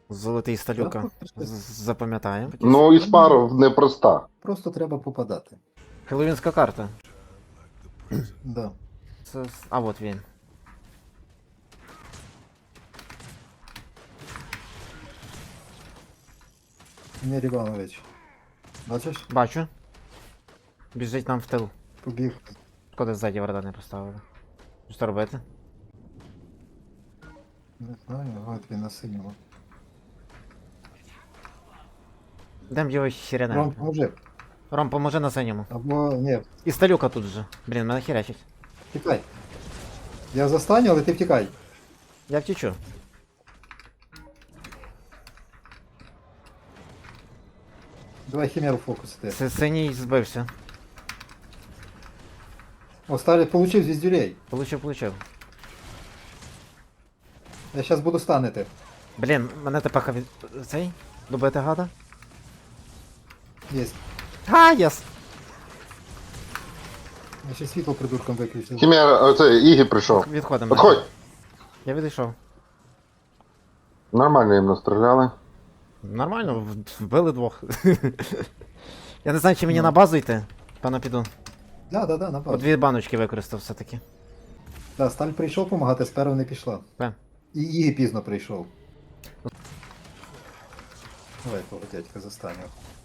Золотий сталюка. Запам'ятаємо. Ну і спару непроста. Просто треба попадати. Хеллоуінська карта. Да. Це... А от він. Ігор Іванович. Бачиш? Бачу. Біжить нам в тил. Побіг. Шкода, ззаді врата не поставили. Що робити? Не знаю, от він на синьому. Дем його хіряне. Ром, поможи. Ром, поможи на синьому. Або ні, І сталюка тут же. Блін, мене хірячить. втікай. Я застаню, але ти втікай. Я втічу. Давай хімеру фокусити. Синій збився. О, старий получив звіздюлей. Получив. Я зараз буду станити. Блін, мене тепер від... Цей? Добити гада? Єсть. Єс! Я ще світло придурком виключив. Хімера, оце Ігі прийшов. Відходимо. Отходь! Я відійшов. Нормально їм настріляли. Нормально, вбили двох. Я не знаю, чи мені на базу йти. Певно піду. Да, на По базу. 2 баночки використав все-таки. Да, Сталь прийшов помагати, сперва не пішла. Пе. І Ігі пізно прийшов. Давай того дядька застаню.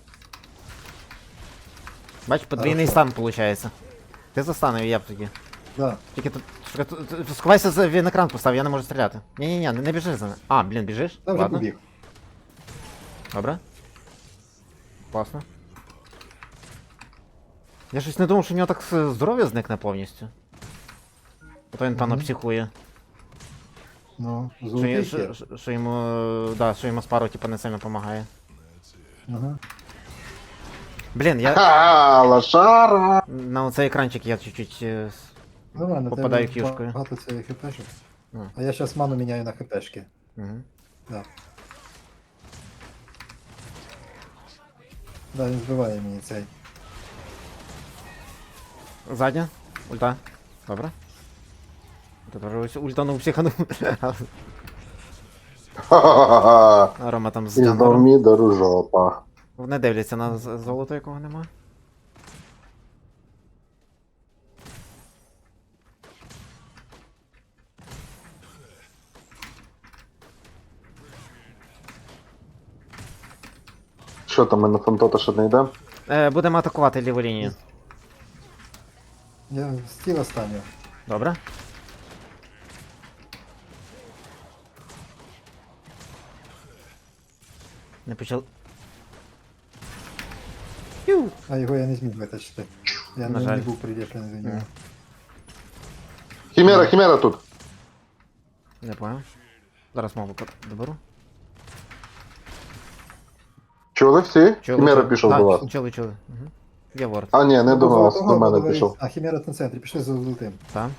Бач, подвійний стан виходить. Ти застанив, я б тоді. Да. Тільки тут... Сховайся, він екран постав, я не можу стріляти. Ні-ні-ні, не біжи за ним. А, блін, біжиш? Та вже Ладно. побіг. Добре. Класно. Я щось не думав, що у нього так здоров'я зникне повністю. Ото він, певно, Мгм. психує. Ну, Що, золотий ще. що йому... Да, що йому спару, типа, не сильно допомагає. Ага. Блін, я... Ха, лошара! На оцей екранчик я чуть-чуть... Нормально, Попадаю тебе кішкою. багато цих хпшок. Ну. А я зараз ману міняю на хпшки. Угу. Да. Да, він збиває мені цей. Задня. Ульта. Добре. Тут вже ось ультанув психанув. Ха-ха-ха-ха. А Рома там з І знов джанглером. мідору жопа. Вони дивляться на золото, якого нема. Що там, ми на фантота ще не йдемо? Будемо атакувати ліву лінію. Я стіл останню. Добре. Не почав. Ю! А його я не зміг витащити. Я На не, жаль. не був приліплений до нього. Хімера тут. Не понял. Зараз мову доберу. Чули всі? Хімера пішов до вас. Чули. Угу. Є ворд. А ні, не до вас, Того, до мене того, пішов. А, хімера на центрі, пішли за золотим. Так.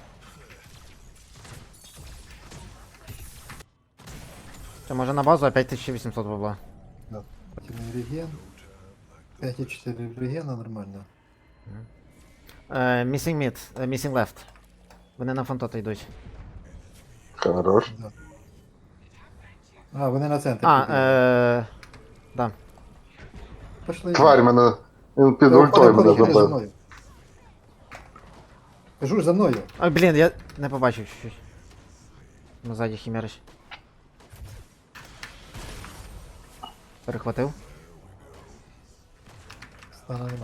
Це може на базу, а 5800 бабла. Да. Реген. 5,4 регена нормально. Missing mid, missing left. Вони на фантота йдуть. Хорош. Да. А, вони на центрі. Да. Пішли. Тварь мене. Він під Ходи, ультою ходи, мене ходи за забив. мною. Кажу ж за мною. Ой, блін, я не побачив чуть-чуть. Ну, ззаді хімерич. Перехватив. Стана нема.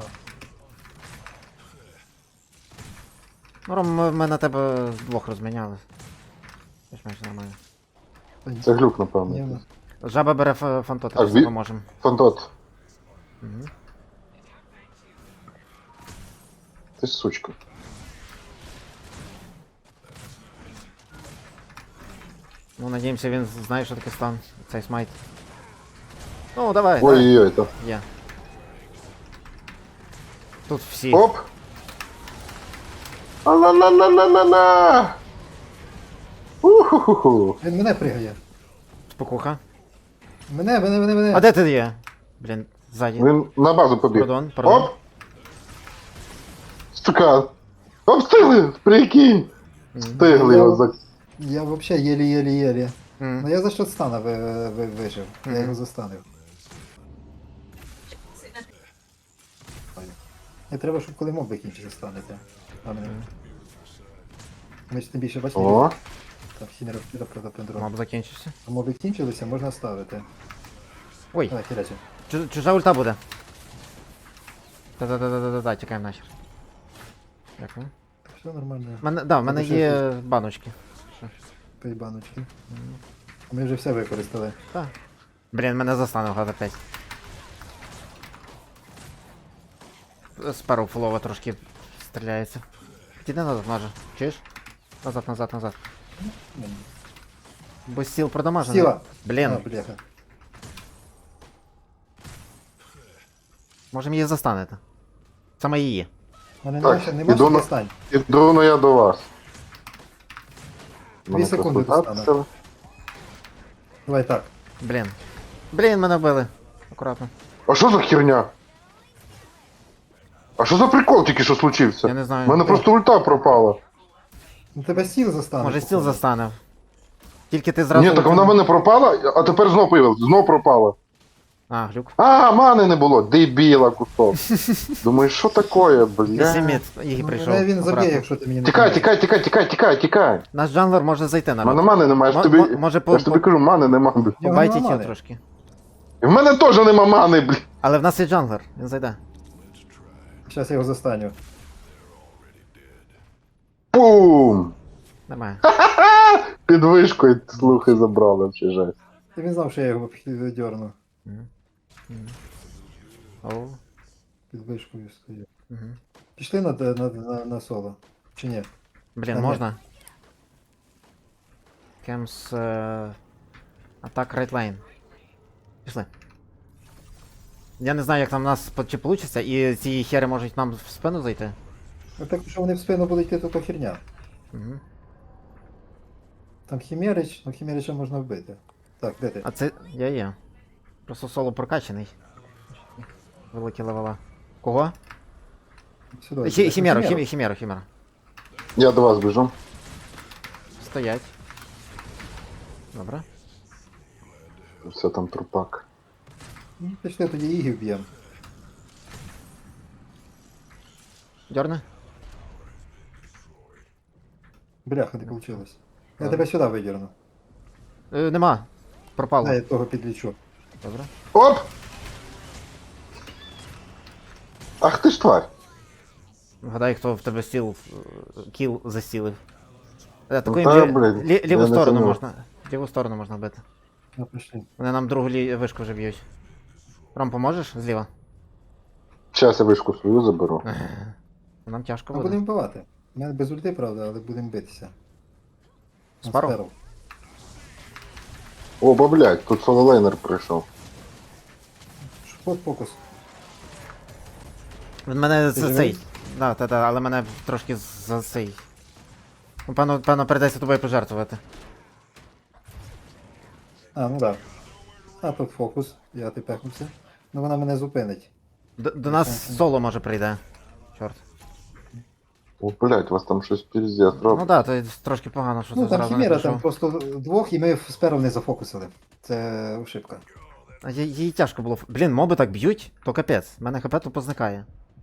Ну, Ром, ми на тебе двох розміняли. Більш-менш нормально. Це глюк, Ні, напевно. Жаба бере фантота, А, після ві- поможемо. Фантот. Угу. Ти ж сучка. Ну, надіємося, він знає, що таке стан. Цей смайт. Ну, давай, давай. Ой-ой-ой, то. Є. Тут всі. Оп! А-на-на-на-на-на-на! Уху-ху-ху! Він мене пригає. Спокуха. Мене. А де ти є? Блін, ззаді. Він на базу побіг. Пардон. Оп! Сука! Обстигли! Прикинь! Встигли його за... Я вообще єлі-єлі-єлі. Ну я за счет стана вижив. Я Мгм. його застанив. Не треба, щоб коли моб закінчиться станете. А мене. Ми ж тим більше бачите, О, там хімера вкида проти пендрон. Моб закінчився. Моби кінчилися, можна ставити. Ой, Давай, хірячі. чужа ульта буде. Та-та-та-та-та, тікаємо нахер. Дякую. Все нормально. В мене ще є баночки. Пий баночки. Ми вже все використали. Так. Блін, мене застанув гад опять. Спару фулова трошки стріляється. Піди назад, може. Чуєш? Назад. Бо стіл продамажений. Сіла! Блін, А, бляха. можемо її застанете. Саме її. Мене Так, нема іду що на- достань. іду ну я до вас. Дві секунди достану. Давай так. Блін, мене вбили. Акуратно. А що за херня? А що за прикол тільки що случився? Я не знаю. У мене просто ульта пропала. Ну тебе стіл застане. Може стіл походу. застане. Тільки ти зразу. Ні, так вона в мене пропала, а тепер знов появилась, знов пропала. А, глюк. А, мани не було, дебіла кусок. Думаю, що таке, бля? Вісіміт її Ну, прийшов. мене він заб'є, акуратно. якщо ти мені не Тікай, допоможеш. тікай. Наш джанглер може зайти на У мене рот. мани немає, я ж Мо- тобі, може я ж тобі кажу, мани нема, бля. Його Побайтіть нема його мани. трошки. І в мене теж нема мани, бля. Але в нас є джанглер, він зайде. Щас я його застаню. Пум! Немає. Під вишкою слухи забрали, чи жесть. Ти він знав, що я його дьорну. Оу. Під вишкою стою. Мгм. Пішли на соло. Чи ні? Блін, Та ні. можна? Кемс... Атак right lane. Пішли. Я не знаю, як там у нас чи получиться, і ці хери можуть нам в спину зайти. Ну так, що вони в спину будуть йти, то херня. Угу. Там Хімерич, ну Хімерича можна вбити. Так, де ти? А це я є. Просто соло прокачаний. Великі левела. Кого? Сюди. Хімеру. Я до вас біжу. Стоять. Добре. Все там трупак. Ну, пішли тоді Ігі вб'ємо. Дьорни. Бляха, не вийшло. Я Ладно. тебе сюди видірну. Нема. Пропало. Дай я того підлічу. Добре. Оп! Ах ти ж тварь. Вгадай, хто в тебе стіл кіл застілив. Таку та, блін, ліву я не сторону знаю. можна. Ліву сторону можна бити. Ну, пішли. Вони нам другу вишку вже б'ють. Ром, поможеш зліва? Щас я вишку свою заберу. Нам тяжко Ми буде. будемо вбивати. У мене без ульти, правда, але будемо битися. На Спару? сперу. О, блядь, тут сололейнер прийшов. От фокус. Він мене Ти за живий? цей. Да, але мене трошки за цей. Ну, певно, придеться тобою пожертвувати. А, ну так. А тут фокус. Я ти пехнувся. Ну вона мене зупинить. До нас соло може прийде. Чорт. О, блядь, у вас там щось піздець Ну робить. да, то трошки погано, що Ну ти там зразу не Хімера, там прийшов. просто двох і ми сперу не зафокусили. Це ошибка. А їй тяжко було. Блін, моби так б'ють, то капець. У мене хп тупо зникає.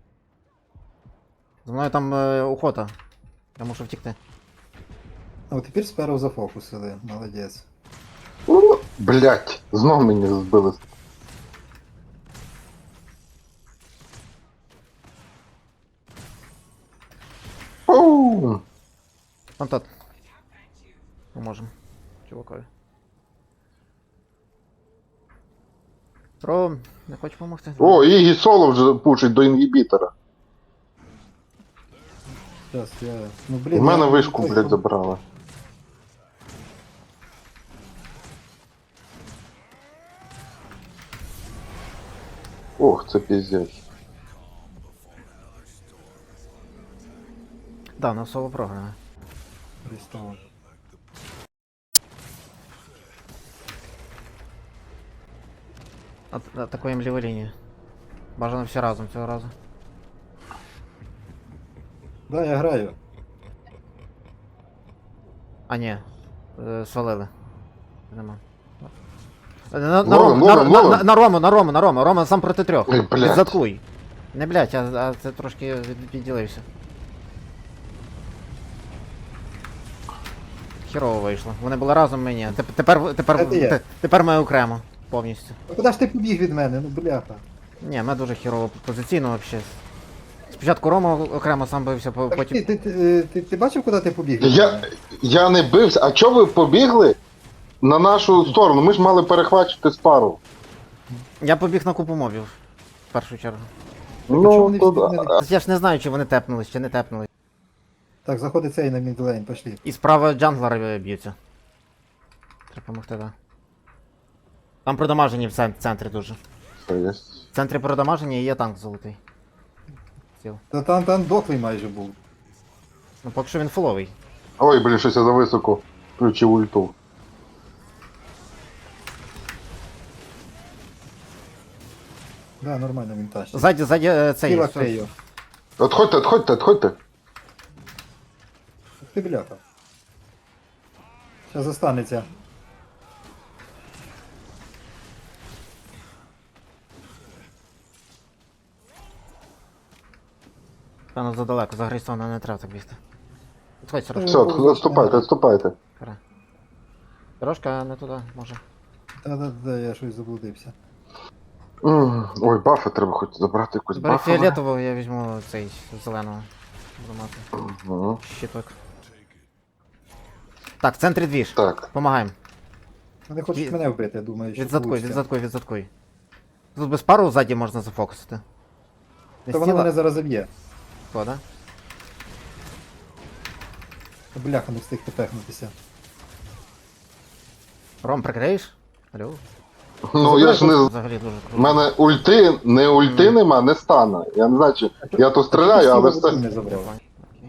За мною там охота. Я мушу втікти. А от тепер сперу зафокусили. Молодець. Блядь, знов мені збили. Оу! Там тот. Поможем. Чувакові. Про, не хочеш допомогти? О, Ігі соло вже пушить до інгібітора. Зараз я. Ну У блін. мене я- вишку, Ой, блядь, забрали. Ох, це піздець. Да, на соло програми. Арестован. Атакуємо ліву лінію. Бажано всі разом цього разу. Да, я граю. А ні. Свалили. Нема. Ловим, ловим. На Рому, Рома сам проти трьох. Ой, блядь. Відзаткуй. Не блять, а це трошки відділився. Хірово вийшло. Вони були разом мені. Це я. Тепер ми окремо. Повністю. Ну куди ж ти побіг від мене? Ну бляха. Ні, ми дуже хірово позиційно вообще. Спочатку Рома окремо сам бився, Так, потім. ти бачив, куди ти побіг? від мене? Я не бився. А чого ви побігли на нашу сторону? Ми ж мали перехвачити спару. Я побіг на купу мобів. В першу чергу. чому Ну, вони всі від мене? Я ж не знаю, чи вони тепнулись, чи не тепнулись. Так, заходить цей на мідлейн, пошли. І справа джанглери б'ються. Треба помогти, да. Там продамажені в центрі дуже. Все є. В центрі продамажені і є танк золотий. Ціл. Та там дохлий майже був. Ну поки що він фуловий. Ой, блін, щось я зависоко включив ульту. Да, нормально він тащить. Ззаді цей. Тіла крею. Отходьте. Ти бляха. Зараз застанеться. Певно задалеко, за Грейстона не треба так бігти. Відходь, Сорожка. Все, відступайте. Пора. Сорожка не туди, може. Та-да-да, я щось заблудився. Ой, бафи треба хоч забрати якусь Бери бафу. фіолетового, я візьму цей зеленого. Буду мати. Угу. Щиток. Так, в центрі двіж. Так. Помагаємо. Вони хочуть мене вбити, я думаю, що Відзаткуй, получиться. відзаткуй. Тут без пару ззаді можна зафокусити. Не Та воно стіла? мене зараз заб'є. Хто, да? Бляха, не встиг тепехнутися. Ром, прикриєш? Алло? Ну я ж не. Взагалі дуже У круто. мене ульти нема, не стане. Я не знаю, чи я то стріляю, але Всі все. не забрав. Окей.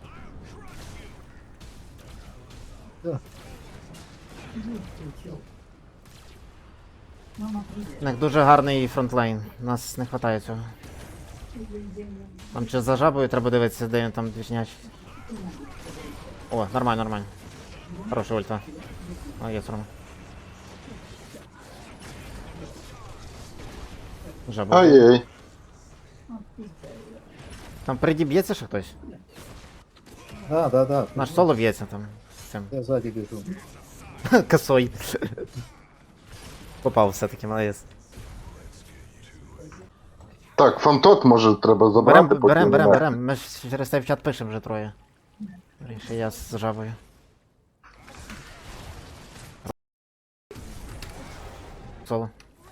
Да. У них дуже гарний фронтлайн. Нас не вистачає цього. Там чи за жабою треба дивитися, де він там двічнячий. О, нормально. Хороша ульта. Молодець, Рома. Жаба. Ай-яй. Там впереді б'ється ще хтось? Да. Наш соло б'ється там з цим. Я ззаді біжу. Косой. Попав все-таки, молодець. Так, фантот може треба забрати, поки не мертвий. Берем. Ми ж через цей в чат пишемо вже троє. Ріше я з жабою. Соло.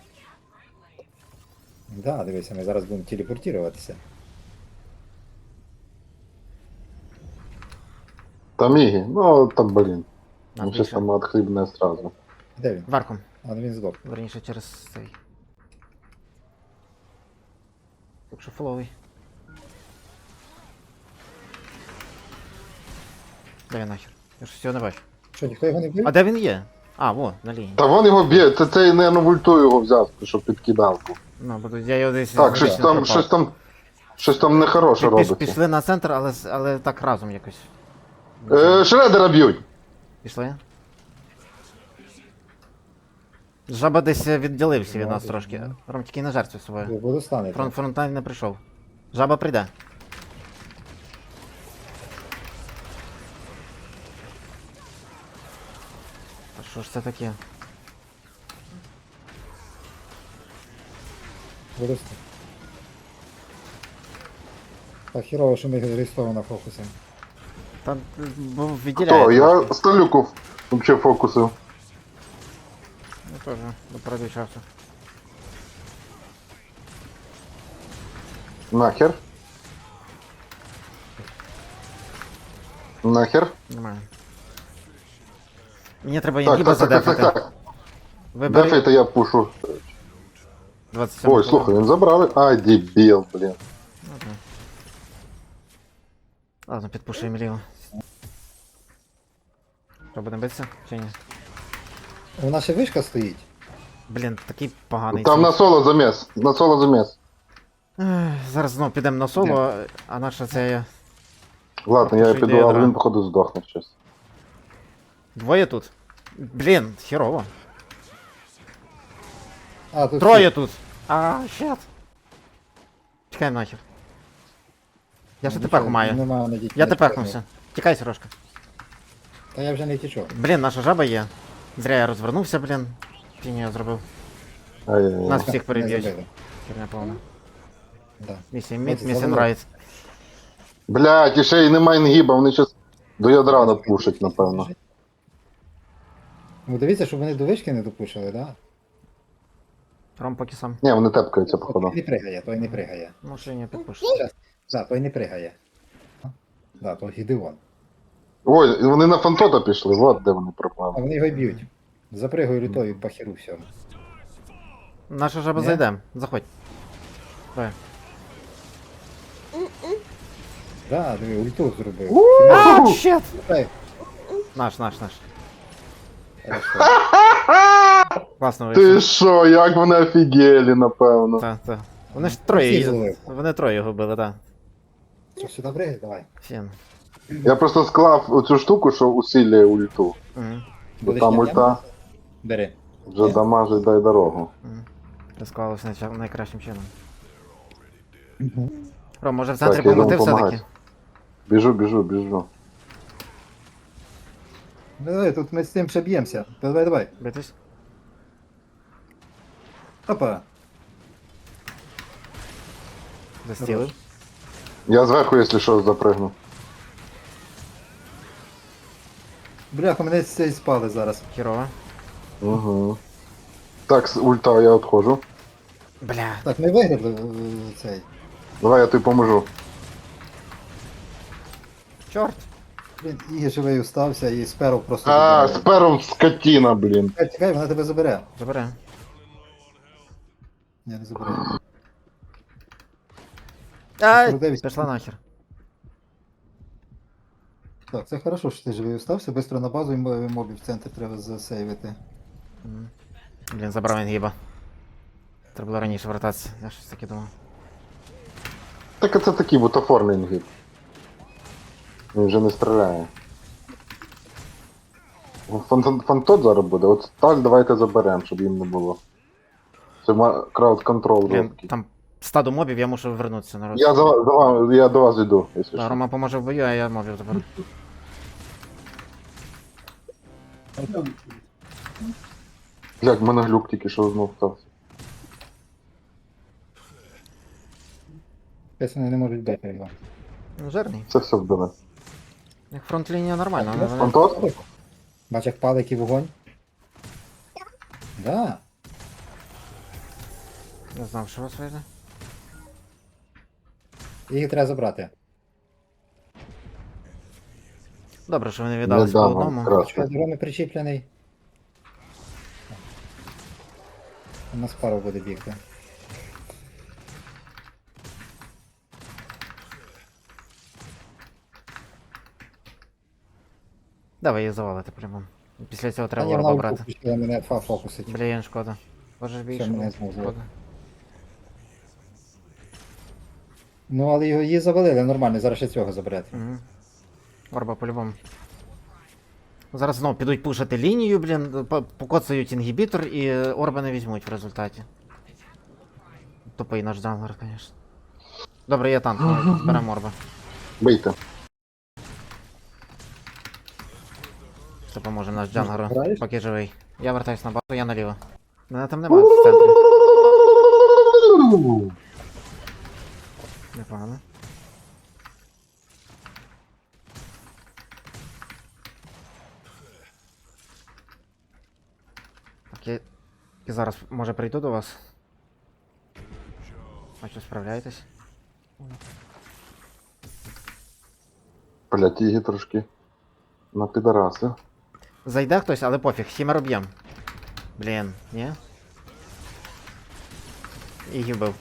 Да, дивися, ми зараз будемо телепортуватися. Там Ігі, ну там, блін. На, Ну щось більше. там отхлібне сразу. Де він? Верхом. А, ну він здох. Верніше через цей. Так що фоловий. Де він нахер? Я ж всього не бачу. Що, ніхто його не вбив? А де він є? А, во, на лінії. Та вон його б'є, це цей, наверно, в ульту його взяв, щоб підкидалку. Ну, буду, я його десь... Так, щось там нехороше робиться. Пішли на центр, але так разом якось. Шредера б'ють. Пішли? Жаба десь відділився від нас трошки. Ром, тільки не жертвуй собою. Я буду станете. Фронтайн не прийшов. Жаба прийде. А що ж це таке? Буду станете. Так, хірово, що ми реєстровано на фокусі. Там відділяє. Хто? Я трошки. Сталюков взагалі фокусив. Я теж пройду часу. Нахер. Нормально. Мені треба Так, Єнгіба так. задефати. Вибери Дефайте я пушу. 27. Ой, слухай, він забрали. Ай, дебіл, блін. Ладно, підпушуємо ліво. Що, будемо битися? Чи ні? У нас ще вишка стоїть. Блін, такий поганий. Там цей. на соло заміс. Зараз знову підемо на соло, а наша це... Ладно, я Що піду, йде але ядра? він, походу, здохне щось. Двоє тут? Блін, херово. А, тут Троє тут. А, щет. Чекаємо нахер. Я ще тепер маю. Нема на дітей. Я тепехнувся. Тікай, Сережка. Та я вже не тічу. Блін, наша жаба є. Зря я розвернувся, блін. Фіні я зробив. Ай-яй-яй. Нас всіх переб'ють. Не забили. Херня повна. Да. Місія мід, От місія завели. райт. Блядь, і ще й немає інгіба, вони щас до ядра напушать, напевно. Ну дивіться, щоб вони до вишки не допушили, да? Ром поки сам. Ні, вони тепкаються, походу. Той не пригає, той не пригає. Ну, ще не підпуш. Да, той не пригає. Да, то Гідеон. Ой, вони на фантота пішли, от де вони А пропали. вони його й б'ють. Запригаю лютою по херу всьому. Наша жаба Ні? зайде. Заходь. Давай. Да, диви, ульту зробив. А, щет! Ей, Наш. хорошо. Класно Ти вийшло. що, як вони офігели, напевно. Так. Вони ж Всі троє. зловив. Вони троє його били, так. Що, сюди пригай? Давай. Фін. Я просто склав оцю штуку, що усилює ульту. Мгм. Бо Будеш там ням-ням? ульта Бери. вже дамажить дай дорогу. Це склалося найкращим чином. Мгм. Ром, може в центрі Так, я йду помоти все-таки? помагати. Біжу. Давай, тут ми з цим ще б'ємося. Давай. Битись? Опа. Застілив. Я зверху, якщо що, запригну. Бляха, мене з цієї спали зараз. Херово. Угу. Так, з ульта я відходжу. Бля. Так, ми виграли цей. Давай я тобі поможу. Чорт. Блін, і живий устався, і сперов просто А, з забирає. пером скотіна, блін. Чекай, вона тебе забере. Забере. Ні, не забере. Ай! Дивись. Пішла нахер. Так, це хорошо, що ти живий устався. Бистро на базу і мобів в центр треба засейвити. Мгм. Блін, забрав інгіба. Треба було раніше вертатися. Я щось таке думав. Так це такий бутафорний інгіб. Він вже не стріляє. Фантот зараз буде. От сталь давайте заберемо, щоб їм не було. Це крауд-контрол Блін, жорсткий. там стадо мобів, я мушу вернутися народ. Я до вас йду, якщо Да, що. Рома поможе в бою, а я мобів заберу. Блядь, в мене глюк тільки що знов стався. Десь вони не можуть бити його. Ну, жирний. Це все вбили. Як фронт-лінія нормальна, але вони... Фантот? Бач, як палить і вогонь? Да. Не знав, що у вас вийде. Їх треба забрати. Добре, що вони віддались по дам, одному. крас. Що, з Роми причіплений? У нас пару буде бігти. Давай її завалити прямо. Після цього Та треба ні, вона ворога ульту брати. включила, мене фокусить. Блін, шкода. Боже ж більше. мене було. знову Шкода. Ну, але її завалили нормально, зараз ще цього заберете. Угу. Орба по-любому. Зараз знову підуть пушити лінію, блін, покоцають інгібітор і орба не візьмуть в результаті. Тупий наш джанглер, звісно. Добре, є танк, ну, зберемо орба. Бийте. Це поможе наш джанглеру, граєш? поки живий. Я вертаюсь на базу, я наліво. Мене там немає в центрі. Непогано. Так, я зараз може прийду до вас. Бачу, справляєтесь. Блядь, її трошки на підараси. Зайде хтось, але пофіг, хімер об'єм. Блін, ні? І вбив.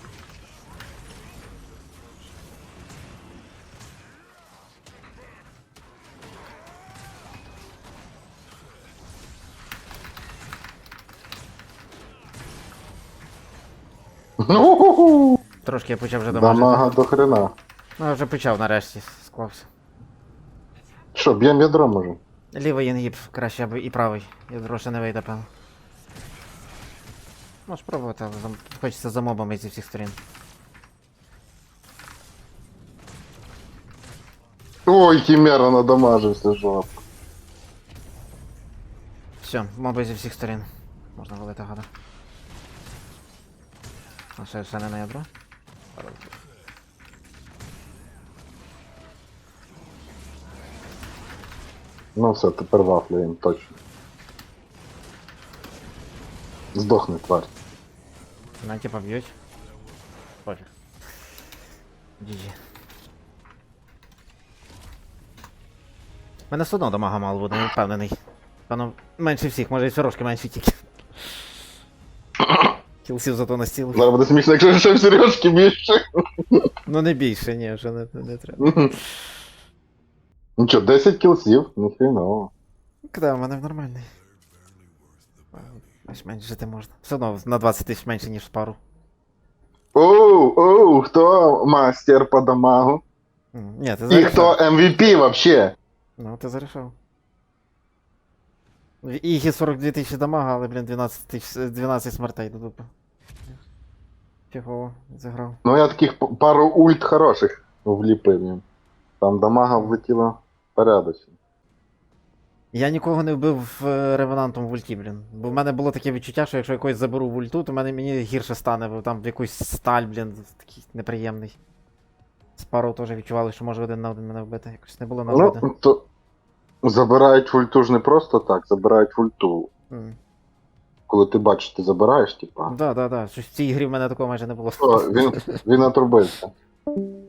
Ну, Трошки я почав вже дамажити. дамага до хрена. Ну, я вже почав нарешті, склався. Що, б'єм ядро може? Лівий інгіб краще або і правий. І гроші не вийде, певно. Можеш пробувати, але хочеться за мобами зі всіх сторін. Ой, хімера надамажився, жопа. Все, моби зі всіх сторін. Можна валити гада. А ще не на ядро. Ну все, тепер вафлюємо, точно. Здохне, тварь. На типа б'ють. Пофіг. GG. У мене все одно дамага мало буде, не впевнений. Певно, менше всіх, може і сірошки менші тільки. Кілсів зато на стіл. Зараз буде смішно, якщо ще в сережки більше. Ну не більше, ні, вже не треба. Ну чо, 10 кілсів? Ніхріново. Куди, у мене нормальний. Аж менше жити можна. Все одно на 20 тисяч менше, ніж пару. Оу, хто мастер по дамагу? Ні, ти І зарішав. хто MVP вообще? Ну, ти зарішав. В Ігі 42 тисячі дамага, але, блін, 12 смертей до дупи. Фігово, зіграв. Ну я таких пару ульт хороших вліпив їм. Там дамага влетіла порядочно. Я нікого не вбив ревенантом в ульті, блін. Бо в мене було таке відчуття, що якщо якось заберу в ульту, то мені гірше стане, бо там якусь сталь, блін, такий неприємний. З пару теж відчували, що може один на один мене вбити. Якось не було нагоди. Ну, то забирають ульту ж не просто так, забирають ульту. Коли ти бачиш, ти забираєш, типа. Да. Щось в цій грі в мене такого майже не було. О, він отрубився.